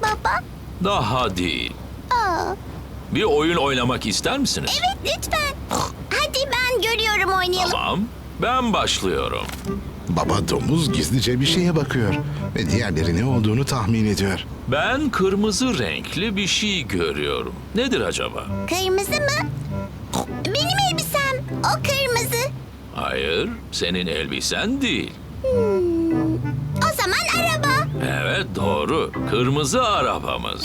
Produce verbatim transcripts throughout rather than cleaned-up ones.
baba? Daha değil. Aa, Bir oyun oynamak ister misiniz? evet lütfen. Hadi ben görüyorum oynayalım. Tamam. Ben başlıyorum. Baba domuz gizlice bir şeye bakıyor ve diğerleri ne olduğunu tahmin ediyor. Ben kırmızı renkli bir şey görüyorum. Nedir acaba? Kırmızı mı? Benim elbisem. O kırmızı. Hayır, senin elbisen değil. O zaman araba. Evet, doğru. Kırmızı arabamız.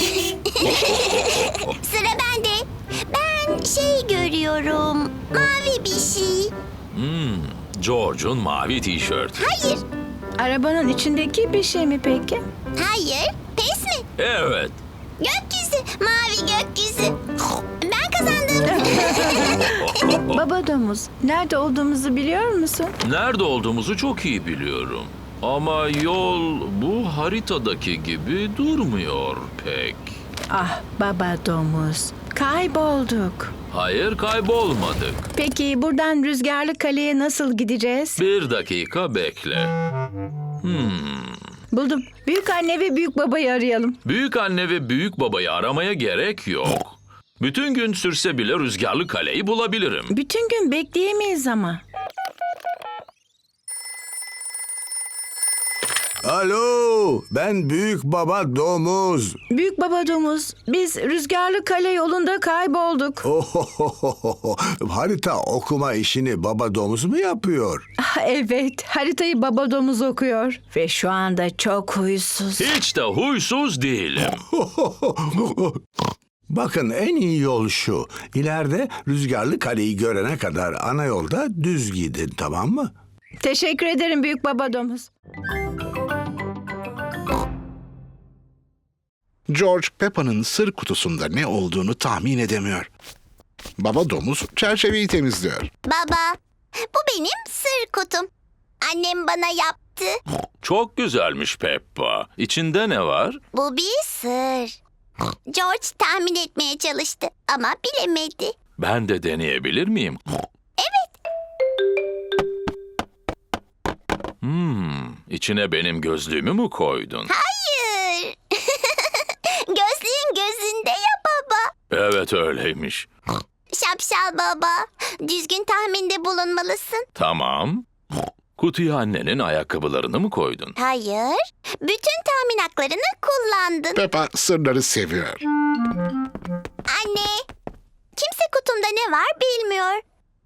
Sıra bende. Ben şey görüyorum. Mavi bir şey. Hmm, George'un mavi tişörtü. Hayır. Arabanın içindeki bir şey mi peki? Hayır. Pes mi? Evet. Gökyüzü. Mavi gökyüzü. Ben kazandım. Baba domuz, nerede olduğumuzu biliyor musun? Nerede olduğumuzu çok iyi biliyorum. Ama yol bu haritadaki gibi durmuyor pek. Ah baba domuz, kaybolduk. Hayır, kaybolmadık. Peki buradan Rüzgarlı Kale'ye nasıl gideceğiz? Bir dakika bekle. Hmm. Buldum. Büyük anne ve büyük babayı arayalım. Büyük anne ve büyük babayı aramaya gerek yok. Bütün gün sürse bile Rüzgarlı Kale'yi bulabilirim. Bütün gün bekleyemeyiz ama. Alo, ben Büyük Baba Domuz. Büyük baba domuz, biz Rüzgarlı Kale yolunda kaybolduk. Ohohoho, harita okuma işini Baba Domuz mu yapıyor? Ah, evet, haritayı baba domuz okuyor. Ve şu anda çok huysuz. Hiç de huysuz değilim. Bakın en iyi yol şu. İleride Rüzgarlı Kale'yi görene kadar ana yolda düz gidin, tamam mı? Teşekkür ederim büyük baba domuz. George, Peppa'nın sır kutusunda ne olduğunu tahmin edemiyor. Baba domuz çerçeveyi temizliyor. Baba, bu benim sır kutum. Annem bana yaptı. Çok güzelmiş Peppa. İçinde ne var? Bu bir sır. George tahmin etmeye çalıştı ama bilemedi. Ben de deneyebilir miyim? Evet. Hmm, içine benim gözlüğümü mü koydun? Hayır. Gözlüğün gözünde ya baba. Evet, öyleymiş. Şapşal baba. Düzgün tahminde bulunmalısın. Tamam. Kutuya annenin ayakkabılarını mı koydun? Hayır. Bütün tahmin haklarını kullandın. Peppa sırları seviyor. Anne. Kimse kutumda ne var bilmiyor.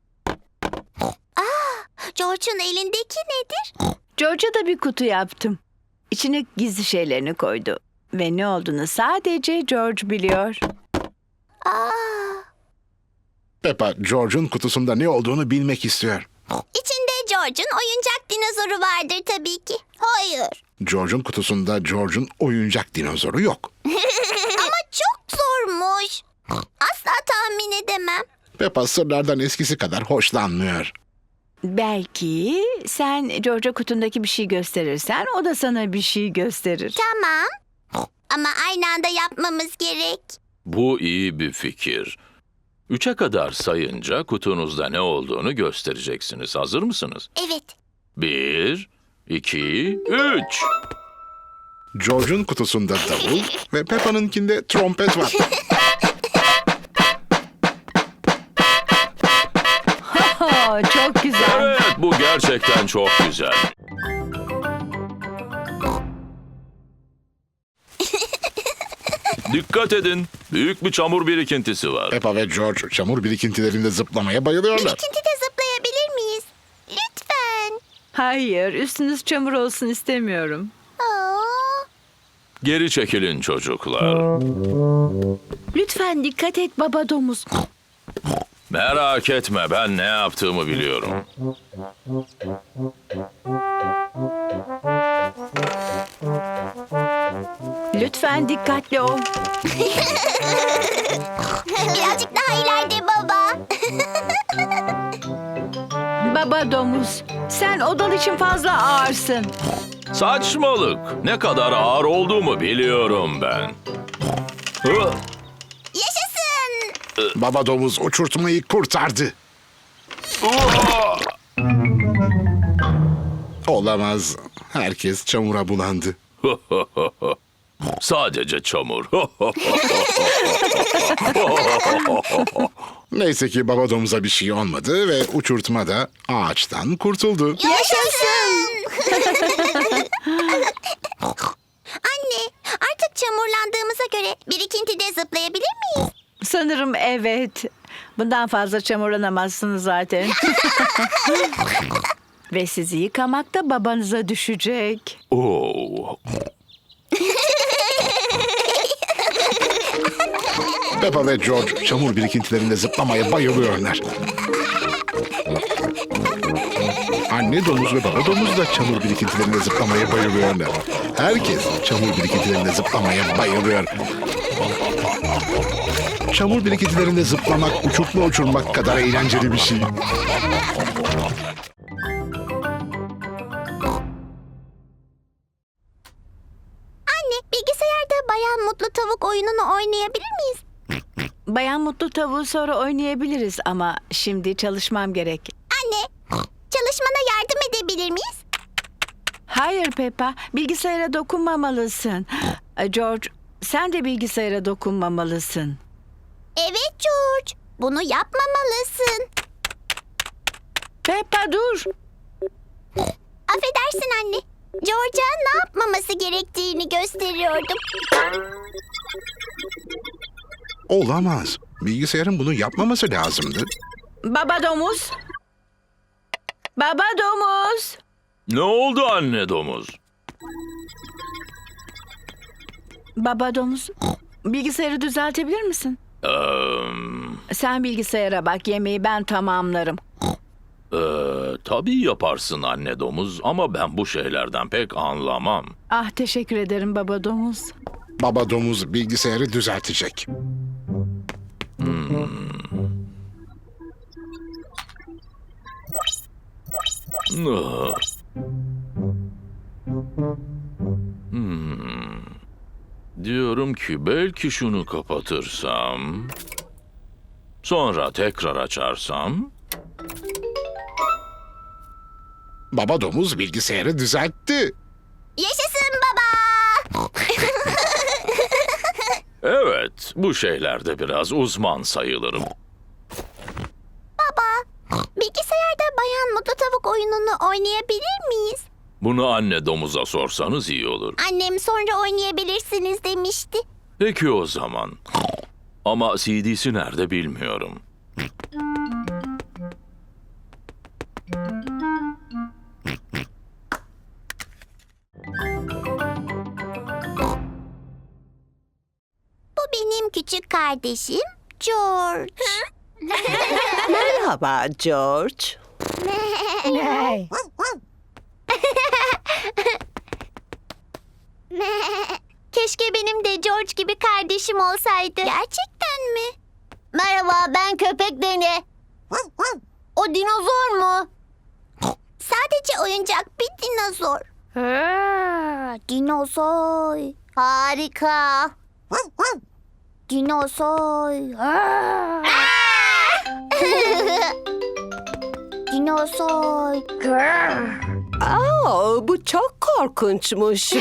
Aa, George'un elindeki nedir? George'a da bir kutu yaptım. İçine gizli şeylerini koydu. Ve ne olduğunu sadece George biliyor. Aa, Peppa, George'un kutusunda ne olduğunu bilmek istiyor. içinde George'un oyuncak dinozoru vardır tabii ki. Hayır. George'un kutusunda George'un oyuncak dinozoru yok. Ama çok zormuş. Asla tahmin edemem. Peppa sırlardan eskisi kadar hoşlanmıyor. Belki sen George'a kutundaki bir şey gösterirsen o da sana bir şey gösterir. Tamam. Ama aynı anda yapmamız gerek. Bu iyi bir fikir. Üçe kadar sayınca kutunuzda ne olduğunu göstereceksiniz. Hazır mısınız? Evet. Bir, iki, üç. George'un kutusunda davul ve Peppa'nınkinde trompet var. Oh, çok güzel. Evet, bu gerçekten çok güzel. Dikkat edin. Büyük bir çamur birikintisi var. Peppa ve George çamur birikintilerinde zıplamaya bayılıyorlar. Birikintide zıplayabilir miyiz? Lütfen. Hayır, üstünüz çamur olsun istemiyorum. Aa, Geri çekilin çocuklar. Lütfen dikkat et baba domuz. Merak etme, ben ne yaptığımı biliyorum. Lütfen dikkatli ol. birazcık daha ileride baba. Baba domuz, sen odal için fazla ağırsın. Saçmalık. Ne kadar ağır olduğumu biliyorum ben. Hı, Yaşasın. Baba domuz uçurtmayı kurtardı. uha! Olamaz. Herkes çamura bulandı. Sadece çamur. Neyse ki baba domuza bir şey olmadı ve uçurtma da ağaçtan kurtuldu. Yaşasın! Anne, artık çamurlandığımıza göre birikintide zıplayabilir miyiz? Sanırım evet. Bundan fazla çamurlanamazsınız zaten. Ve sizi yıkamak da babanıza düşecek. Oo. Peppa ve George çamur birikintilerinde zıplamaya bayılıyorlar. Anne domuz ve baba domuz da çamur birikintilerinde zıplamaya bayılıyorlar. Herkes çamur birikintilerinde zıplamaya bayılıyor. Çamur birikintilerinde zıplamak, uçurtma uçurmak kadar eğlenceli bir şey. Anne, bilgisayarda Bayan Mutlu Tavuk oyununu oynayabilir miyiz? Bayan Mutlu Tavuğu sonra oynayabiliriz ama şimdi çalışmam gerek. Anne, çalışmana yardım edebilir miyiz? Hayır Peppa, bilgisayara dokunmamalısın. George, sen de bilgisayara dokunmamalısın. Evet George, bunu yapmamalısın. Peppa dur. Affedersin anne. George'a ne yapmaması gerektiğini gösteriyordum. Olamaz. Bilgisayarın bunu yapmaması lazımdı. Baba domuz. Baba domuz. Ne oldu anne domuz? Baba domuz. Bilgisayarı düzeltebilir misin? Ee, Sen bilgisayara bak, yemeği ben tamamlarım. e, tabii yaparsın anne domuz ama ben bu şeylerden pek anlamam. Ah, teşekkür ederim baba domuz. Baba domuz bilgisayarı düzeltecek. Ah. Hmm. Diyorum ki belki şunu kapatırsam, sonra tekrar açarsam. Baba domuz bilgisayarı düzeltti. Yaşasın baba! Evet, bu şeylerde biraz uzman sayılırım. Bilgisayarda Bayan Mutlu Tavuk oyununu oynayabilir miyiz? Bunu anne domuza sorsanız iyi olur. Annem sonra oynayabilirsiniz demişti. Peki o zaman. Ama C D'si nerede bilmiyorum. Bu benim küçük kardeşim George. Merhaba George. Keşke benim de George gibi kardeşim olsaydı. Gerçekten mi? Merhaba, ben köpek Deni. O dinozor mu? Sadece oyuncak bir dinozor. Dinozor. Harika. Dinozor. Dinozor. Aa, bu çok korkunçmuş.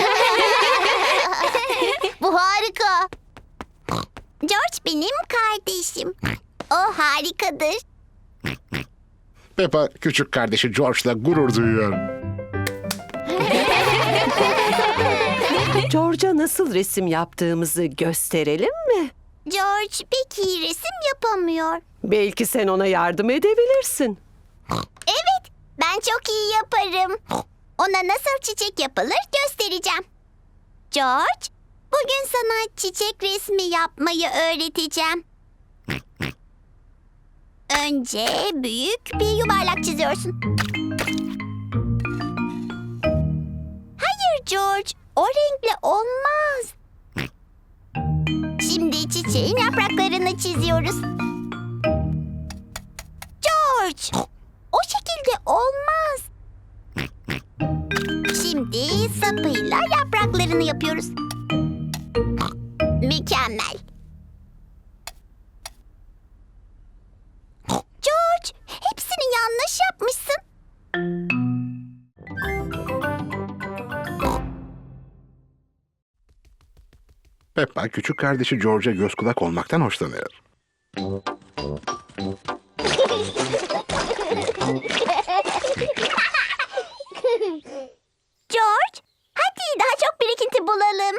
Bu harika. George benim kardeşim. O harikadır. Peppa küçük kardeşi George'la gurur duyuyor. George'a nasıl resim yaptığımızı gösterelim mi? George pek iyi resim yapamıyor. Belki sen ona yardım edebilirsin. Evet, ben çok iyi yaparım. Ona nasıl çiçek yapılır göstereceğim. George, bugün sana çiçek resmi yapmayı öğreteceğim. Önce büyük bir yuvarlak çiziyorsun. Hayır George, o renkle olmaz. Şimdi çiçeğin yapraklarını çiziyoruz. George, o şekilde olmaz. Şimdi sapıyla yapraklarını yapıyoruz. Mükemmel. George, hepsini yanlış yapmışsın. Peppa küçük kardeşi George'a göz kulak olmaktan hoşlanıyor. George, hadi daha çok birikinti bulalım.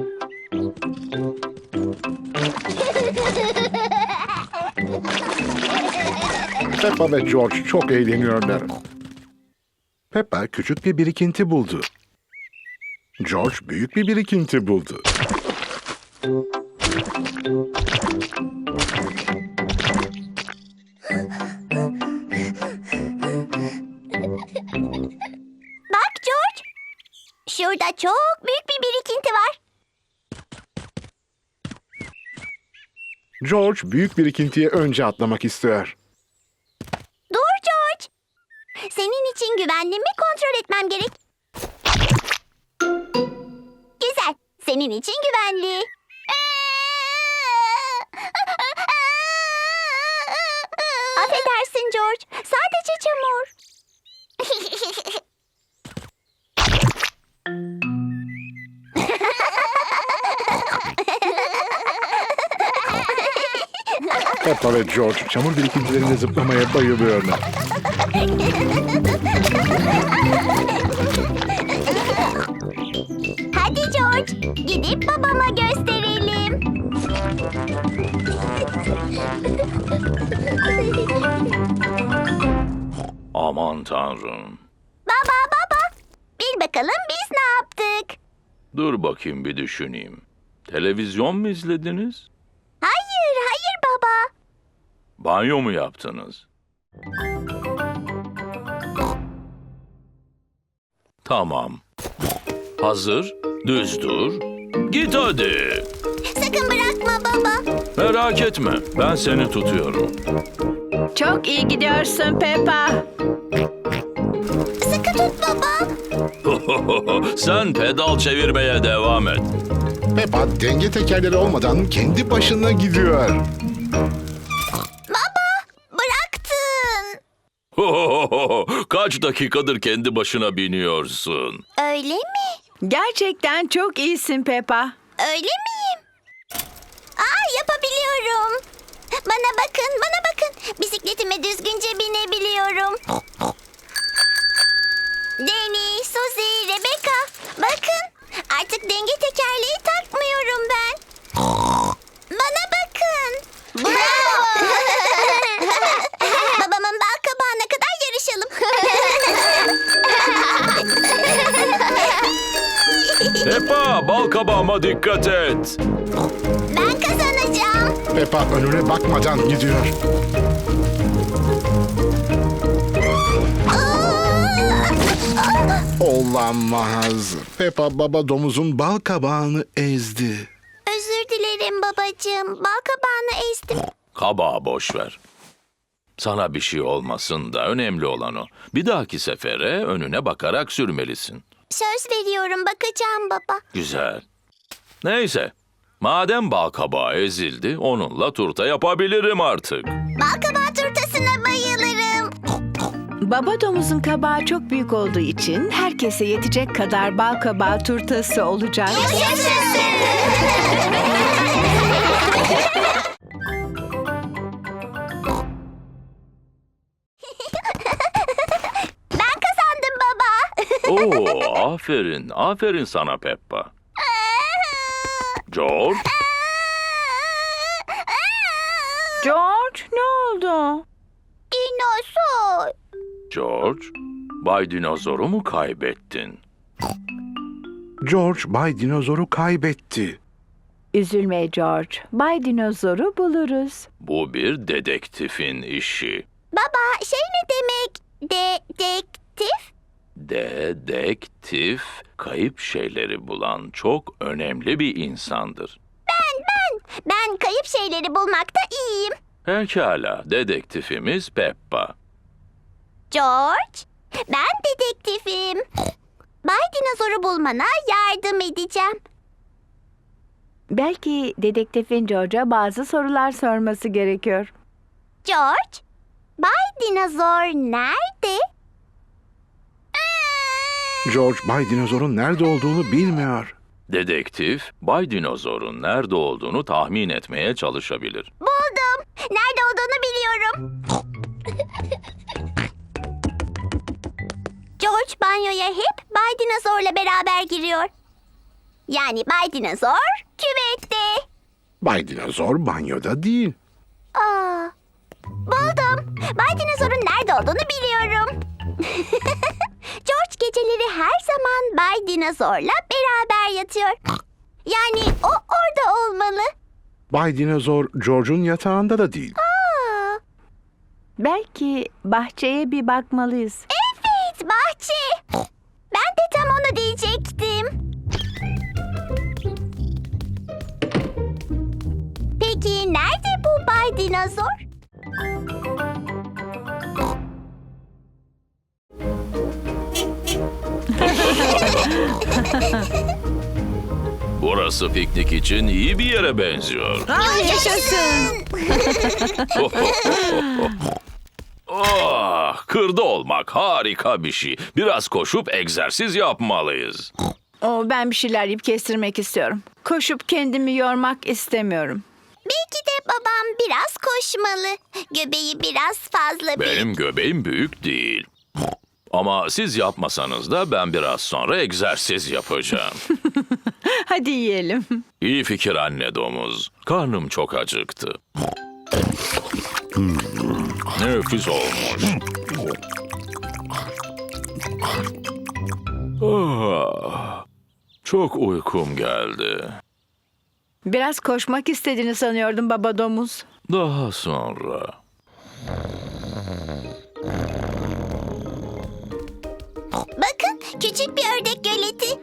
Peppa ve George çok eğleniyorlar. Peppa küçük bir birikinti buldu. George büyük bir birikinti buldu. Bak George, şurada çok büyük bir birikinti var. George büyük birikintiye önce atlamak istiyor. Dur George. Senin için güvenli mi kontrol etmem gerek. Güzel. Senin için güvenli. Affedersin George. Sadece çamur. Peppa ve George çamur birikintilerinde zıplamaya bayılıyorlar. Hadi George. Gidip babama gösterelim. Aman tanrım. Baba baba. Bil bakalım biz ne yaptık? Dur bakayım bir düşüneyim. Televizyon mu izlediniz? Hayır hayır baba. Banyo mu yaptınız? Tamam. Hazır, düz dur. Git hadi. Sakın bırakma baba. Merak etme, ben seni tutuyorum. Çok iyi gidiyorsun Peppa. Sıkı tut baba. Sen pedal çevirmeye devam et. Peppa denge tekerleri olmadan kendi başına gidiyor. Baba bıraktın. Kaç dakikadır kendi başına biniyorsun? Öyle mi? Gerçekten çok iyisin Peppa. Öyle miyim? Aa yapabiliyorum. Bana bakın bana bakın. Bisikletime düzgünce binebiliyorum. Danny, Suzy, Rebecca. Bakın artık denge tekerleği takmıyorum ben. Bana bakın. Bravo. Babamın bal kabağına kadar yarışalım. Peppa, bal kabağıma dikkat et. Ben kazanacağım. Peppa önüne bakmadan gidiyor. Olamaz. Peppa baba domuzun bal kabağını ezdi. Özür dilerim babacığım. Bal kabağını ezdim. Kabağı boş ver. Sana bir şey olmasın da önemli olan o. Bir dahaki sefere önüne bakarak sürmelisin. Söz veriyorum bakacağım baba. Güzel. Neyse. Madem bal kabağı ezildi, onunla turta yapabilirim artık. Bal kabağı turtasına bayılırım. Baba domuzun kabağı çok büyük olduğu için herkese yetecek kadar bal kabağı turtası olacak. Yaşasın. Ben kazandım baba. Oo, aferin, aferin sana Peppa. George, George, ne oldu? Dinozor. George, Bay Dinozor'u mu kaybettin? George Bay Dinozor'u kaybetti. Üzülme George. Bay Dinozor'u buluruz. Bu bir dedektifin işi. Baba şey ne demek? Dedektif? Dedektif, kayıp şeyleri bulan çok önemli bir insandır. Ben kayıp şeyleri bulmakta iyiyim. Pekala, dedektifimiz Peppa. George, ben dedektifim. Bay Dinozor'u bulmana yardım edeceğim. Belki dedektifin George'a bazı sorular sorması gerekiyor. George, Bay Dinozor nerede? George Bay Dinozor'un nerede olduğunu bilmiyor. Dedektif, Bay Dinozor'un nerede olduğunu tahmin etmeye çalışabilir. Buldum. Nerede olduğunu biliyorum. George banyoya hep Bay Dinozor'la beraber giriyor. Yani Bay Dinozor küvette. Bay Dinozor banyoda değil. Aa, buldum. Bay Dinozor'un nerede olduğunu biliyorum. George geceleri her zaman Bay Dinozor'la beraber yatıyor. Yani o orada olmalı. Bay Dinozor George'un yatağında da değil. Aa, Belki bahçeye bir bakmalıyız. evet, bahçe. Ben de tam onu diyecektim. Peki nerede bu Bay Dinozor? Burası piknik için iyi bir yere benziyor. Yaşasın. Ah, kırda olmak harika bir şey. Biraz koşup egzersiz yapmalıyız. Oo, ben bir şeyler yiyip kestirmek istiyorum. Koşup kendimi yormak istemiyorum. Belki de babam biraz koşmalı. Göbeği biraz fazla büyük. Benim göbeğim büyük değil. Ama siz yapmasanız da ben biraz sonra egzersiz yapacağım. Hadi yiyelim. İyi fikir anne domuz. Karnım çok acıktı. Hmm, nefis olmuş. Ah, çok uykum geldi. Biraz koşmak istediğini sanıyordum baba domuz. Daha sonra. Bakın, küçük bir ördek göleti.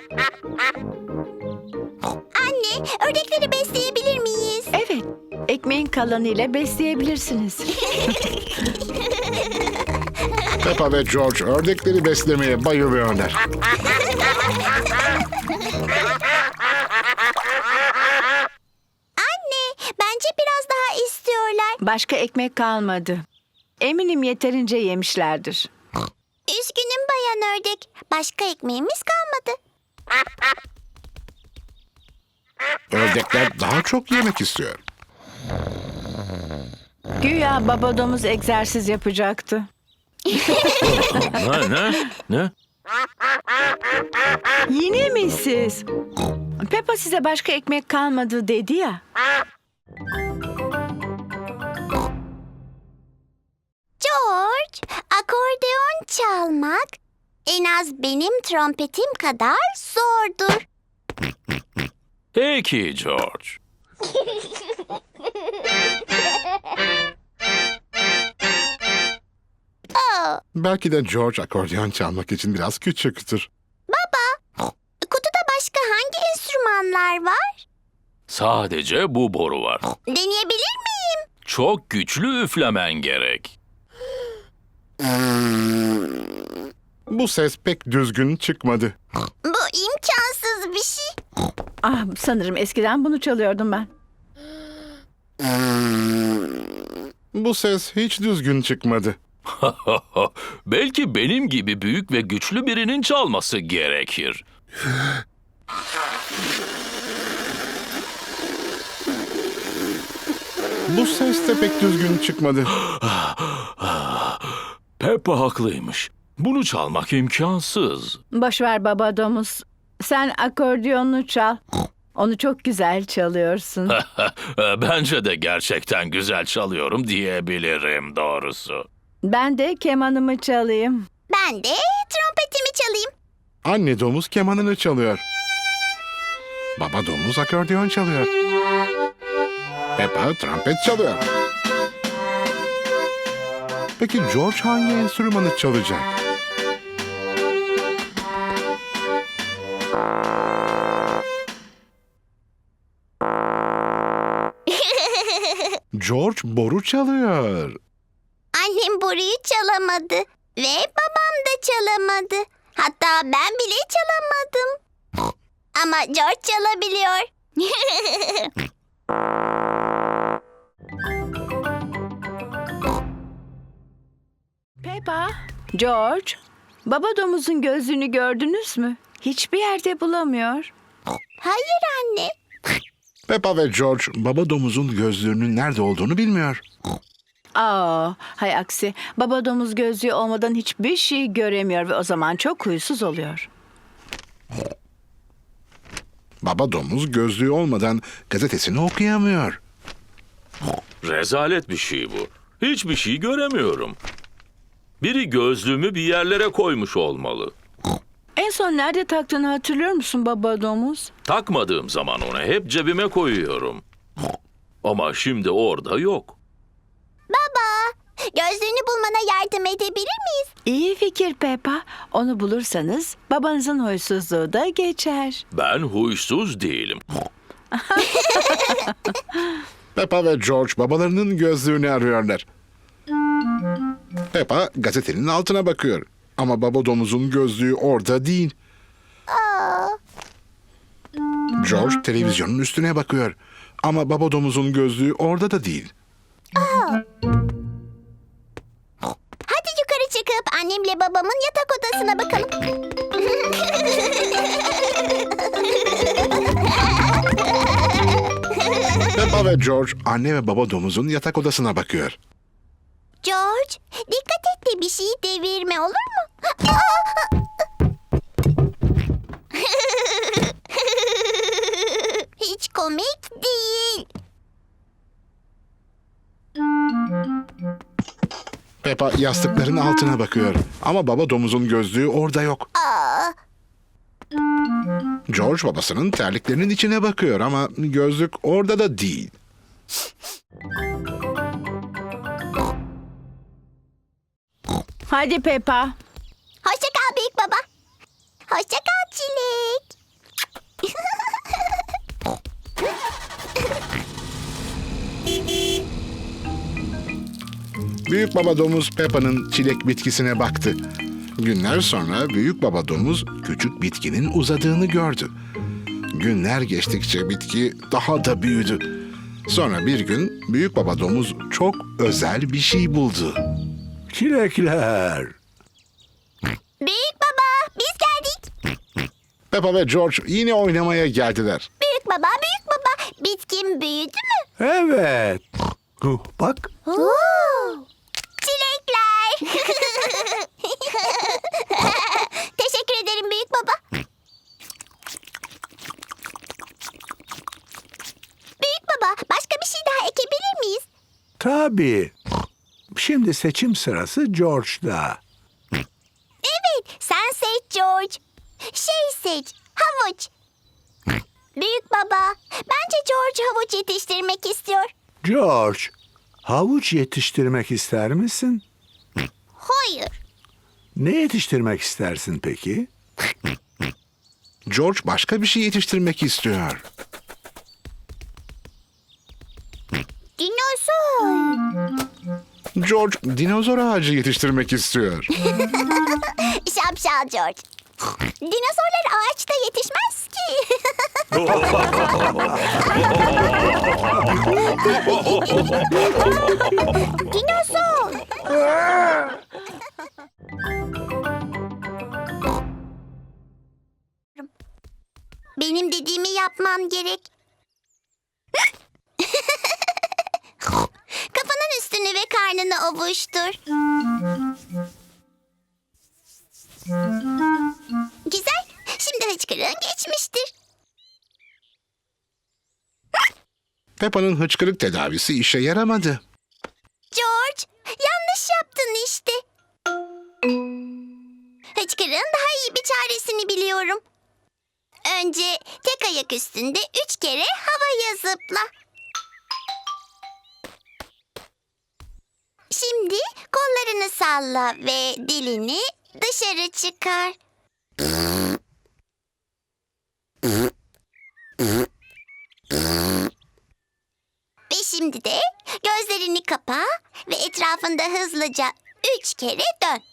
Anne, ördekleri besleyebilir miyiz? Evet, ekmeğin kalanıyla besleyebilirsiniz. Peppa ve George ördekleri beslemeye bayılıyorlar. Anne, bence biraz daha istiyorlar. Başka ekmek kalmadı. Eminim yeterince yemişlerdir. Üzgünüm bayan ördek. Başka ekmeğimiz kalmadı. Ördekler daha çok yemek istiyor. Güya baba domuz egzersiz yapacaktı. Ne, ne, ne? Yine mi siz? Peppa size başka ekmek kalmadı dedi ya. George, akordeon çalmak en az benim trompetim kadar zordur. Peki George. Oh, Belki de George akordeon çalmak için biraz küçüktür. kutuda başka hangi enstrümanlar var? Sadece bu boru var. Deneyebilir miyim? Çok güçlü üflemen gerek. Bu ses pek düzgün çıkmadı. Bu imkansız bir şey. Ah, sanırım eskiden bunu çalıyordum ben. Bu ses hiç düzgün çıkmadı. Belki benim gibi büyük ve güçlü birinin çalması gerekir. Bu ses de pek düzgün çıkmadı. Peppa haklıymış. Bunu çalmak imkansız. Boş ver baba domuz. Sen akordiyonunu çal. Onu çok güzel çalıyorsun. Bence de gerçekten güzel çalıyorum diyebilirim doğrusu. Ben de kemanımı çalayım. Ben de trompetimi çalayım. Anne domuz kemanını çalıyor. Baba domuz akordeon çalıyor. Peppa trompet çalıyor. Peki George hangi enstrümanı çalacak? George boru çalıyor. Annem boruyu çalamadı ve babam da çalamadı. Hatta ben bile çalamadım. Ama George çalabiliyor. Peppa, George, baba domuzun gözlüğünü gördünüz mü? Hiçbir yerde bulamıyor. Hayır anne. Peppa ve George baba domuzun gözlüğünün nerede olduğunu bilmiyor. Aa, hay aksi. Baba domuz gözlüğü olmadan hiçbir şey göremiyor ve o zaman çok huysuz oluyor. Baba domuz gözlüğü olmadan gazetesini okuyamıyor. Rezalet bir şey bu. Hiçbir şey göremiyorum. Biri gözlüğümü bir yerlere koymuş olmalı. En son nerede taktığını hatırlıyor musun baba domuz? Takmadığım zaman onu hep cebime koyuyorum. Ama şimdi orada yok. Baba, gözlüğünü bulmana yardım edebilir miyiz? İyi fikir Peppa. Onu bulursanız babanızın huysuzluğu da geçer. Ben huysuz değilim. Peppa ve George babalarının gözlüğünü arıyorlar. Peppa gazetenin altına bakıyor. Ama baba domuzun gözlüğü orada değil. George televizyonun üstüne bakıyor. Ama baba domuzun gözlüğü orada da değil. Hadi yukarı çıkıp annemle babamın yatak odasına bakalım. Peppa ve George anne ve baba domuzun yatak odasına bakıyor. George, dikkat et de bir şeyi devirme, olur mu? Hiç komik değil. Peppa yastıkların altına bakıyor. Ama baba domuzun gözlüğü orada yok. George babasının terliklerinin içine bakıyor ama gözlük orada da değil. Hadi Peppa. Hoşça kal büyük baba. Hoşça kal Çilek. Büyük baba domuz Peppa'nın çilek bitkisine baktı. Günler sonra büyük baba domuz küçük bitkinin uzadığını gördü. Günler geçtikçe bitki daha da büyüdü. Sonra bir gün büyük baba domuz çok özel bir şey buldu. Çilekler. Büyük baba, biz geldik. Peppa ve George yine oynamaya geldiler. Büyük baba, büyük baba. Bitkim büyüdü mü? Evet. Huh, bak. Çilekler. Teşekkür ederim büyük baba. Büyük baba, başka bir şey daha ekebilir miyiz? Tabii. Şimdi seçim sırası George'da. Evet, sen seç George. Şey seç, havuç. Büyük baba, bence George havuç yetiştirmek istiyor. George, havuç yetiştirmek ister misin? Hayır. Ne yetiştirmek istersin peki? George başka bir şey yetiştirmek istiyor. Dinozor. George dinozor ağacı yetiştirmek istiyor. Şapşal George. Dinozorlar ağaçta yetişmez ki. Dinozor. Benim dediğimi yapman gerek. Kafanın üstünü ve karnını ovuştur. Güzel. Şimdi hıçkırığın geçmiştir. Peppa'nın hıçkırık tedavisi işe yaramadı. George, yanlış yaptın işte. Hıçkırığın daha iyi bir çaresini biliyorum. Önce tek ayak üstünde üç kere havaya zıpla. Şimdi kollarını salla ve dilini dışarı çıkar. Ve şimdi de gözlerini kapa ve etrafında hızlıca üç kere dön.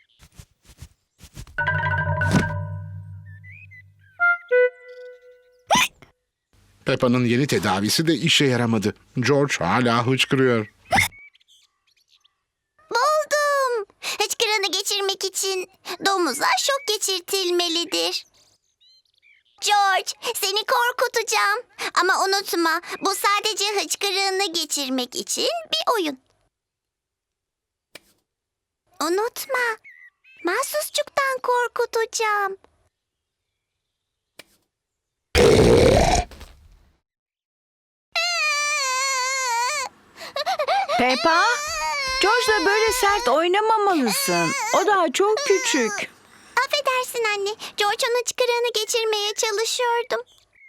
Peppa'nın yeni tedavisi de işe yaramadı. George hala hıçkırıyor. Buldum. Hıçkırığını geçirmek için domuza şok geçirtilmelidir. George, seni korkutacağım. Ama unutma, bu sadece hıçkırığını geçirmek için bir oyun. Unutma, mahsusçuktan korkutacağım. Peppa, George'la böyle sert oynamamalısın. O daha çok küçük. Affedersin anne, George'un hıçkırığını geçirmeye çalışıyordum.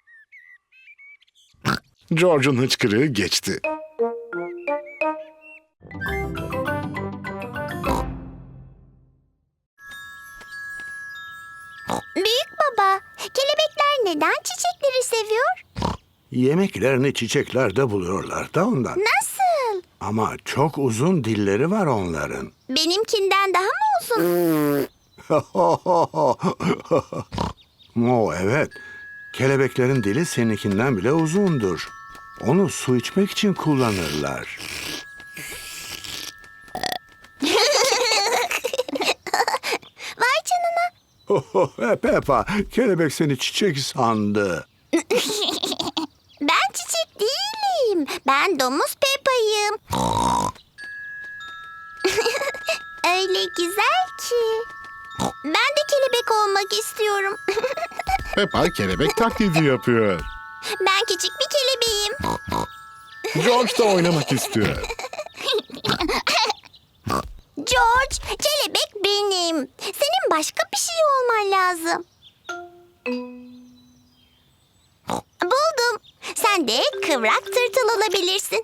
George'un hıçkırığı geçti. Büyük baba, kelebekler neden çiçekleri seviyor? Yemeklerini çiçeklerde buluyorlar da ondan. Nasıl? Ama çok uzun dilleri var onların. Benimkinden daha mı uzun? O evet. Kelebeklerin dili seninkinden bile uzundur. Onu su içmek için kullanırlar. Vay canına. Peppa, kelebek seni çiçek sandı. Ben çiçek değilim. Ben domuz Peppa'yım. Öyle güzel ki. Ben de kelebek olmak istiyorum. Peppa kelebek taklidi yapıyor. Ben küçük bir kelebeğim. George da oynamak istiyor. George, kelebek benim. Senin başka bir şey olman lazım. Buldum. Sen de kıvrak tırtıl olabilirsin.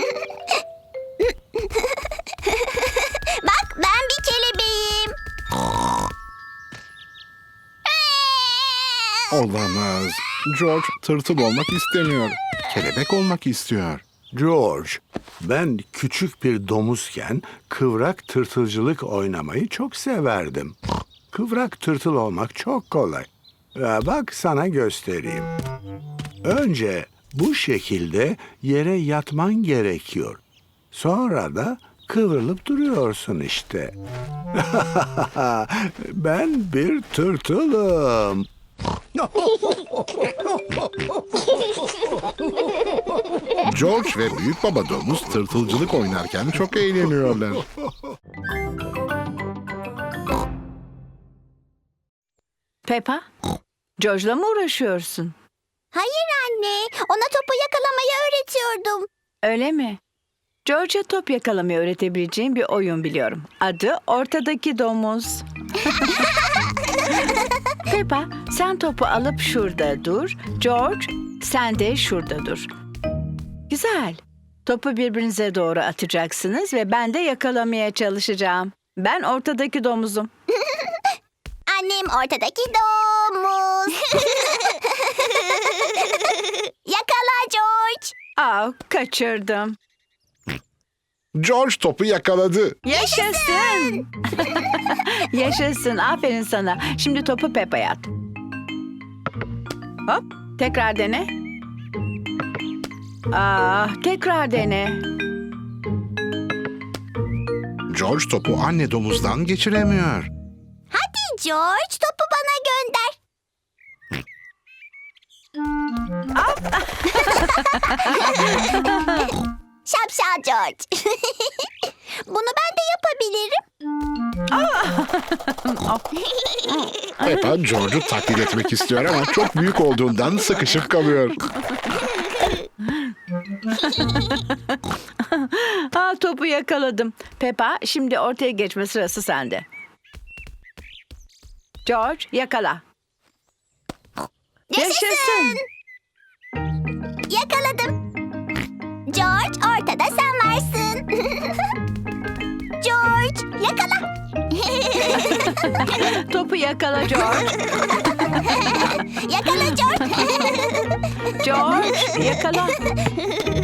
Bak, ben bir kelebeğim. Olamaz. George tırtıl olmak istemiyor. Kelebek olmak istiyor. George, ben küçük bir domuzken kıvrak tırtılcılık oynamayı çok severdim. Kıvrak tırtıl olmak çok kolay. Ya bak sana göstereyim. Önce bu şekilde yere yatman gerekiyor. Sonra da kıvrılıp duruyorsun işte. Ben bir tırtılım. George ve büyük baba domuz tırtılcılık oynarken çok eğleniyorlar. Peppa, George'la mı uğraşıyorsun? Hayır anne, ona topu yakalamayı öğretiyordum. Öyle mi? George'a top yakalamayı öğretebileceğim bir oyun biliyorum. Adı Ortadaki Domuz. Peppa, sen topu alıp şurada dur. George, sen de şurada dur. Güzel. Topu birbirinize doğru atacaksınız ve ben de yakalamaya çalışacağım. Ben ortadaki domuzum. Annem ortadaki domuz. Yakala George. Aa, kaçırdım. George topu yakaladı. Yaşasın. Yaşasın. Aferin sana. Şimdi topu Peppa'ya at. Hop. Tekrar dene. Aa, tekrar dene. George topu anne domuzdan geçiremiyor. Hadi George, topu bana gönder. Şapşal George. Bunu ben de yapabilirim. Peppa George'u taklit etmek istiyor ama çok büyük olduğundan sıkışıp kalıyor. Aa, topu yakaladım. Peppa, şimdi ortaya geçme sırası sende. George, yakala. Yaşasın. Yakaladım. George, ortada sen varsın. George, yakala. Topu yakala George. Yakala George. George, yakala.